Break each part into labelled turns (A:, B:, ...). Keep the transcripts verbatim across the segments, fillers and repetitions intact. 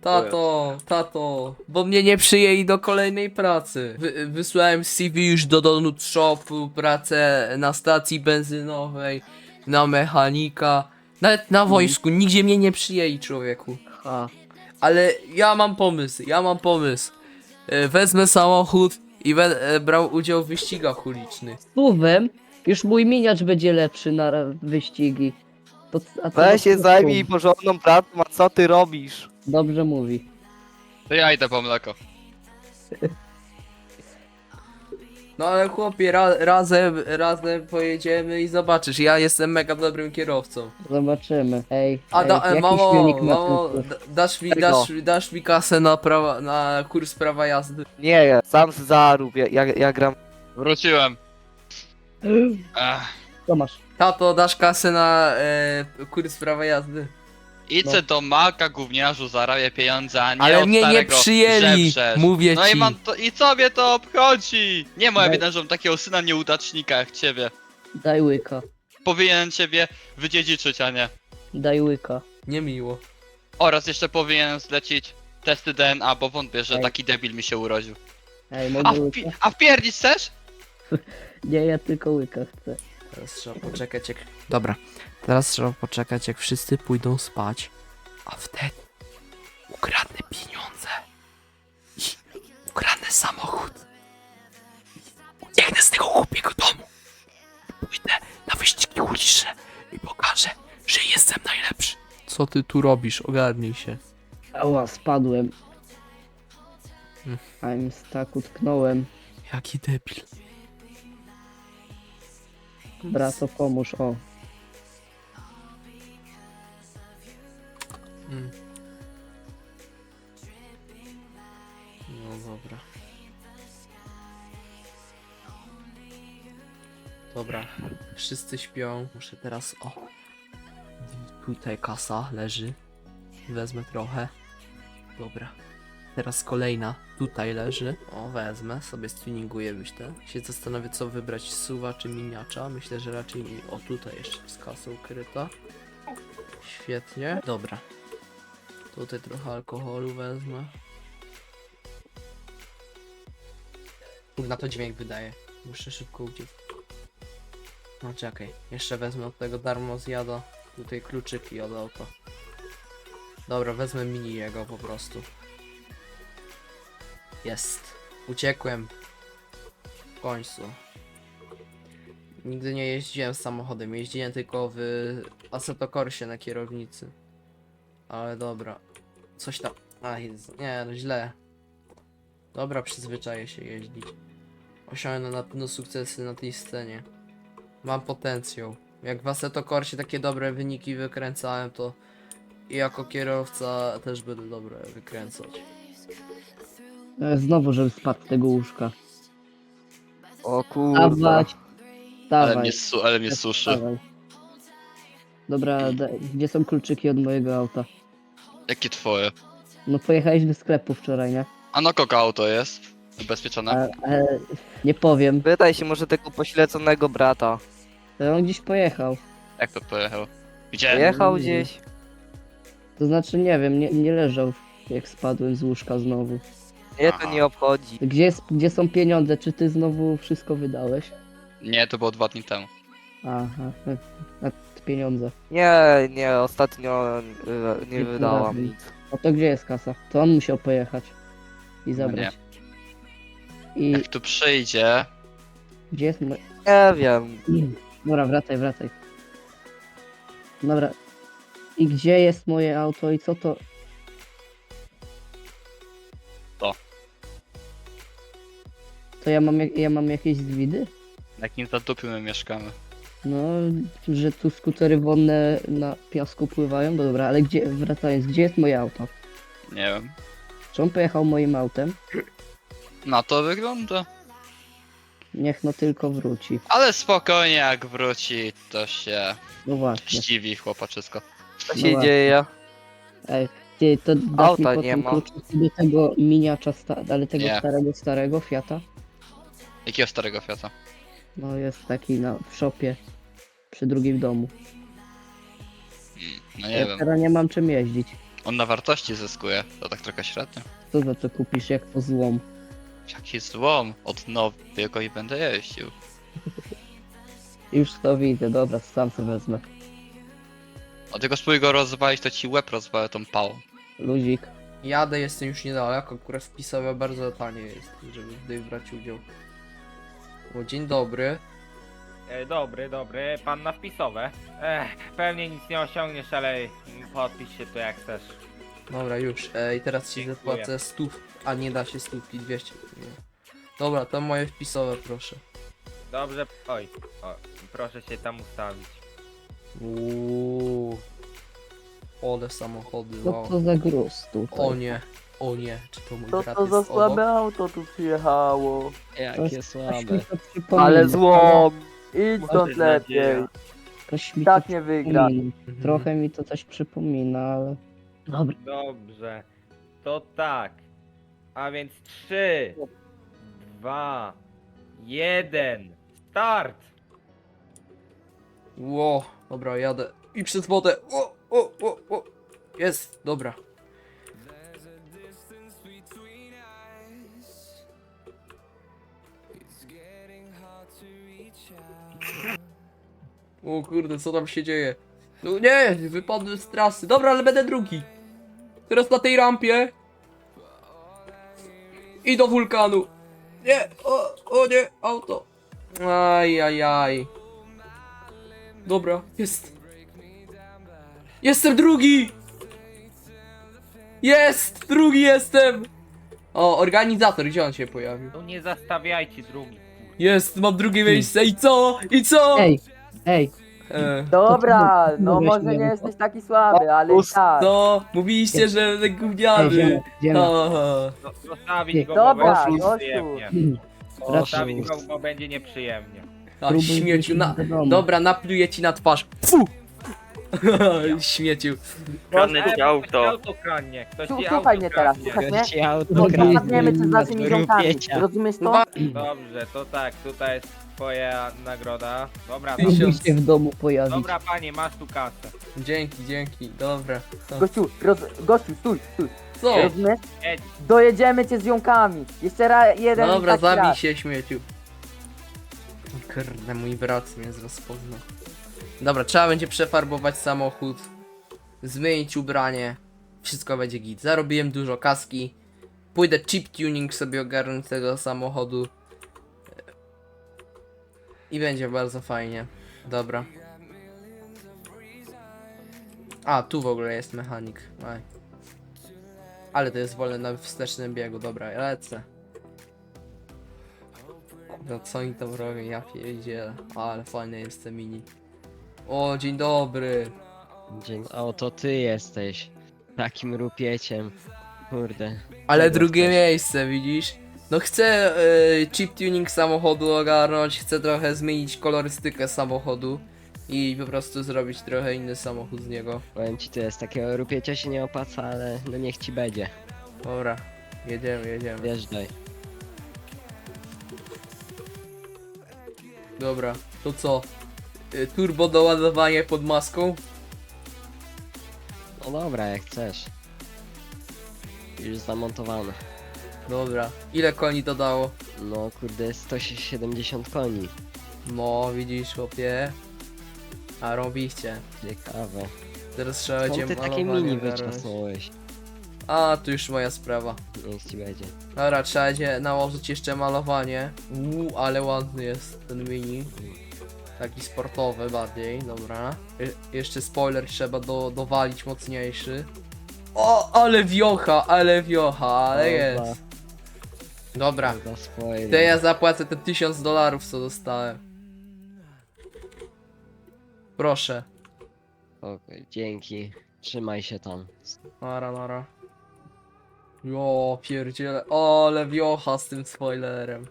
A: Tato, tato, bo mnie nie przyjęli do kolejnej pracy. Wy, wysłałem C V już do Donut Shopu, pracę na stacji benzynowej, na mechanika. Nawet na wojsku, nigdzie mnie nie przyjęli, człowieku.
B: Ha.
A: Ale ja mam pomysł, ja mam pomysł. E, Wezmę samochód i będę brał udział w wyścigach ulicznych.
B: Słowem, już mój miniacz będzie lepszy na ra- wyścigi. To, a co
C: Weź
B: za
C: się
B: słów?
C: zajmij porządną pracą, a co ty robisz?
B: Dobrze mówi.
D: To ja idę po mleko.
A: No ale chłopie, ra razem, razem pojedziemy i zobaczysz, ja jestem mega dobrym kierowcą.
B: Zobaczymy. Ej,
A: A
B: ej
A: da, e,
B: jaki
A: mamo,
B: silnik ma
A: mamo,
B: ten
A: da- dasz mi,
C: Tego.
A: dasz, dasz mi kasę na prawa, na kurs prawa jazdy.
C: Nie, sam zarób, ja, ja, ja gram.
D: Wróciłem.
B: kurs?
D: Ech.
B: Co masz?
A: Tato, dasz kasę na e, kurs prawa jazdy.
D: Idź
B: No.
D: do Maka, gówniarzu, zarabię pieniądze, a nie
A: Ale
D: od
A: mnie nie
D: starego
A: przyjęli,
D: żebrzesz.
A: mówię
D: No
A: ci.
D: i mam to, i co mnie to obchodzi? Nie moja
B: Daj-
D: wina, że mam takiego syna nieudacznika jak ciebie.
B: Daj łyka.
D: Powinienem ciebie wydziedziczyć, a nie.
B: Daj łyka.
A: Niemiło.
D: Oraz jeszcze powinienem zlecić testy D N A, bo wątpię, że
B: Ej.
D: taki debil mi się urodził.
B: Ej,
D: A,
B: mogę
D: wpi
B: łyka?
D: a wpierdzić chcesz?
B: Nie, ja tylko łyka chcę.
A: Teraz trzeba poczekać jak... Dobra, teraz trzeba poczekać jak wszyscy pójdą spać, a wtedy ukradnę pieniądze i ukradnę samochód. Ucieknę z tego głupiego domu. Pójdę na wyścigi uliczne i pokażę, że jestem najlepszy. Co ty tu robisz? Ogarnij się.
B: Ała, spadłem.
A: Hmm.
B: I'm stuck, utknąłem.
A: Jaki debil.
B: Brato, pomóż, o.
A: Mm. No dobra. Dobra, wszyscy śpią. Muszę teraz. O! Tutaj kasa leży. Wezmę trochę. Dobra. Teraz kolejna. Tutaj leży. O, wezmę. Sobie stuninguję, myślę. Się zastanowię, co wybrać. Suwa czy miniacza. Myślę, że raczej. mi- O, tutaj jeszcze jest kasa ukryta. Świetnie. Dobra. Tutaj trochę alkoholu wezmę. Na to dźwięk wydaje. Muszę szybko uciec. No czekaj. Jeszcze wezmę od tego darmo zjada. Tutaj kluczyki od auta. Dobra, wezmę mini jego po prostu. Jest. Uciekłem. W końcu. Nigdy nie jeździłem samochodem. Jeździłem tylko w Assetto Corsie na kierownicy. Ale dobra. Coś tam. A, jest- nie, no źle. Dobra, przyzwyczaję się jeździć. Osiągnę na pewno sukcesy na tej scenie. Mam potencjał. Jak w Assetto Corsie takie dobre wyniki wykręcałem, to i jako kierowca też będę dobre wykręcać.
B: E, Znowu, żeby spadł z tego łóżka.
C: O kurwa.
B: Dawać.
D: Ale
B: Dawaj.
D: mnie, su ale mnie suszy.
B: Dawaj. Dobra, da, gdzie są kluczyki od mojego auta?
D: Jakie twoje?
B: No pojechałeś do sklepu wczoraj, nie?
D: A no kogo auto jest? Ubezpieczone?
B: A, e, nie powiem.
C: Pytaj się może tego pośleconego brata.
B: To on gdzieś pojechał.
D: Jak to pojechał? Gdzie?
C: Jechał gdzieś?
B: To znaczy nie wiem, nie, nie leżał jak spadłem z łóżka znowu.
C: Mnie to nie obchodzi.
B: Gdzie, jest, gdzie są pieniądze? Czy ty znowu wszystko wydałeś?
D: Nie, to było dwa dni temu.
B: Aha, e, a pieniądze.
C: Nie, nie, ostatnio y, nie
B: Nie
C: wydałam
B: poradzi.
C: nic.
B: No to gdzie jest kasa? To on musiał pojechać i zabrać. I
D: Jak tu przyjdzie...
B: gdzie jest mój...
C: Nie wiem.
B: Dobra, wracaj, wracaj. Dobra. I gdzie jest moje auto i co to?
D: To.
B: To ja mam, jak- ja mam jakieś zwidy?
D: Na jakim zadupiu my mieszkamy?
B: No, że tu skutery wodne na piasku pływają, no dobra, ale gdzie, wracając, gdzie jest moje auto?
D: Nie wiem.
B: Czy on pojechał moim autem?
D: Na to wygląda.
B: Niech no tylko wróci.
D: Ale spokojnie, jak wróci, to się
B: No właśnie.
D: ściwi chłopaczysko.
C: Co
B: No
C: się
B: właśnie.
C: dzieje?
B: Ej, ty, to dasz
C: Auta
B: mi
C: nie
B: potem
C: ma.
B: kluczyki do tego miniacza, sta- ale tego
D: Nie.
B: starego, starego Fiata?
D: Jakiego starego Fiata?
B: No jest taki na, w shopie przy drugim domu.
D: Mm, no
B: Ja
D: nie wiem.
B: teraz nie mam czym jeździć.
D: On na wartości zyskuje, to tak trochę średnio.
B: Co za co kupisz, jak to złom?
D: Jaki złom, od nowego i będę jeździł.
B: Już to widzę, dobra, sam sobie wezmę.
D: A tylko spróbuj go rozwalić, to ci łeb rozwalę tą pałą.
B: Luzik.
A: Jadę, jestem już niedaleko, akurat wpisowe bardzo tanie jest, żeby tutaj brać udział. O, dzień dobry.
E: E, dobry, dobry, pan na wpisowe. Ech, pewnie nic nie osiągniesz, ale podpisz się tu jak chcesz.
A: Dobra, już. E, I teraz ci
E: Dziękuję.
A: zapłacę stów, a nie da się stówki, dwieście. Nie. Dobra, to moje wpisowe, proszę.
E: Dobrze, oj, o, proszę się tam ustawić.
A: Uuu. Ole samochody,
B: Co
A: wow.
B: to za gruz tutaj?
A: O nie, o nie, czy to mój
C: Co
A: brat
C: to
A: jest
C: za
A: obok?
C: słabe auto tu przyjechało?
B: Jakie
C: słabe.
B: Ale
C: Ale złom! Idź stąd lepiej.
E: nadzieja.
B: Coś mi
C: Tak
B: to
C: nie wygra.
B: przypomina.
A: Mhm.
B: Trochę mi to coś przypomina, ale... Dobra.
E: Dobrze, to tak. A więc trzy, dwa, jeden, start!
A: Ło, dobra, jadę. I przez wodę. O, o, o, o. Jest, dobra. O kurde, co tam się dzieje? No nie, wypadłem z trasy. Dobra, ale będę drugi. Teraz na tej rampie. I do wulkanu. Nie, o, o nie, auto. Aj, aj, aj. Dobra, jest. Jestem drugi! Jest! Drugi jestem! O, organizator, gdzie on się pojawił?
E: No nie zastawiajcie drugi.
A: Jest, mam drugie miejsce i co? I co?
B: Ej, ej,
A: E,
F: Dobra,
B: To ty
F: no
B: mówiłeś,
F: może
B: nie
F: nie
B: wiem.
F: jesteś taki słaby, ale i tak.
A: co? Mówiliście, że będę
B: ej,
A: gówniany.
B: ziomek, ziomek.
A: Aha.
E: No, zostawić
B: Nie.
E: go,
F: Dobra,
E: bo będzie
F: gościu.
E: nieprzyjemnie. Zostawić go, bo będzie nieprzyjemnie.
A: A,
B: Próbuj
A: śmieciu,
B: wrócić
A: na...
B: do domu.
A: Dobra, napluję ci na twarz. Fu! Śmieciu.
E: Ale ktoś auto kradnie, ktoś
F: Słu-
E: ci
F: Słuchaj
E: auto
F: mnie teraz,
E: kradnie.
F: słuchaj mnie?
G: Gości auto
F: No,
B: kradnie.
F: Zapadniemy cię z naszymi ziomkami.
G: Rupiecia.
F: Rozumiesz to?
A: Dwa...
E: Dobrze, to tak, tutaj jest twoja nagroda. Dobra,
A: Tysiąc.
E: dobra.
B: Mógł się w domu pojawić.
E: Dobra panie, masz tu kasę.
A: Dzięki, dzięki, dobra. To-
F: Gościu, roz... Gościu, stój, stój.
A: Co?
F: Rozumiesz?
E: Jedź.
F: Dojedziemy cię z ziomkami. Jeszcze raz, jeden
A: Dobra,
F: taki
A: zabij
F: raz.
A: się, śmieciu. Kurde, mój brat mnie rozpoznał. Dobra, trzeba będzie przefarbować samochód, zmienić ubranie, wszystko będzie git. Zarobiłem dużo kaski, pójdę chip tuning sobie ogarnąć tego samochodu i będzie bardzo fajnie. Dobra. A, tu w ogóle jest mechanik. Aj. Ale to jest wolne na wstecznym biegu, dobra, ja lecę. No co oni tam robią, ja pierdzielę. Ale fajny jest ten mini. O, dzień dobry.
G: Dzień, o, to ty jesteś takim rupieciem. Kurde.
A: Ale
G: Tego
A: drugie
G: chcesz.
A: miejsce, widzisz? No chcę y, chip tuning samochodu ogarnąć, chcę trochę zmienić kolorystykę samochodu i po prostu zrobić trochę inny samochód z niego.
G: Powiem ci, to jest takiego rupiecia się nie opłaca, ale no niech ci będzie.
A: Dobra, jedziemy, jedziemy.
G: Wjeżdżaj.
A: Dobra, to co? Y, turbo doładowanie pod maską?
G: No dobra, jak chcesz. Już zamontowane.
A: Dobra, ile koni to dało?
G: No kurde, sto siedemdziesiąt koni.
A: No, widzisz, chłopie. A robiście.
G: Ciekawe.
A: Teraz trzeba
G: Skąd
A: będzie
G: ty takie
A: malowanie
G: mini
A: ogarnąć.
G: wyczasnąłeś?
A: A, to już moja sprawa.
G: Niech ci będzie.
A: Dobra, trzeba będzie nałożyć jeszcze malowanie. Uuu, ale ładny jest ten mini. Taki sportowy bardziej, dobra. Je jeszcze spoiler trzeba do dowalić mocniejszy. O, ale wiocha, ale wiocha, ale jest. Dobra,
G: Za swoje.
A: to ja zapłacę te tysiąc dolarów, co dostałem. Proszę.
G: Okej, dzięki. Trzymaj się tam.
A: Nara, nara. Jo, pierdziele. O, ale wiocha z tym spoilerem.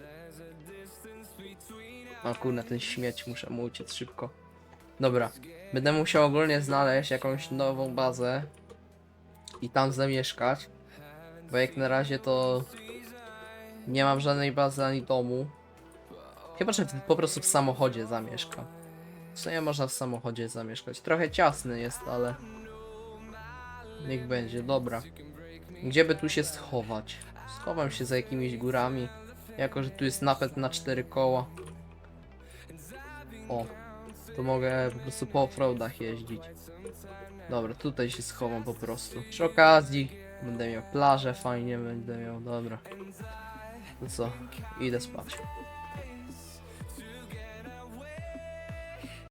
A: A kurna, ten śmieć, muszę mu uciec szybko. Dobra, będę musiał ogólnie znaleźć jakąś nową bazę i tam zamieszkać, bo jak na razie to nie mam żadnej bazy ani domu. Chyba, że po prostu w samochodzie zamieszkam. W sumie można w samochodzie zamieszkać. Trochę ciasny jest, ale Niech będzie, dobra. Gdzie by tu się schować? Schowam się za jakimiś górami. Jako, że tu jest napęd na cztery koła. O, to mogę po prostu po offroadach jeździć. Dobra, tutaj się schowam po prostu. Przy okazji będę miał plażę, fajnie będę miał, dobra. No co, idę spać.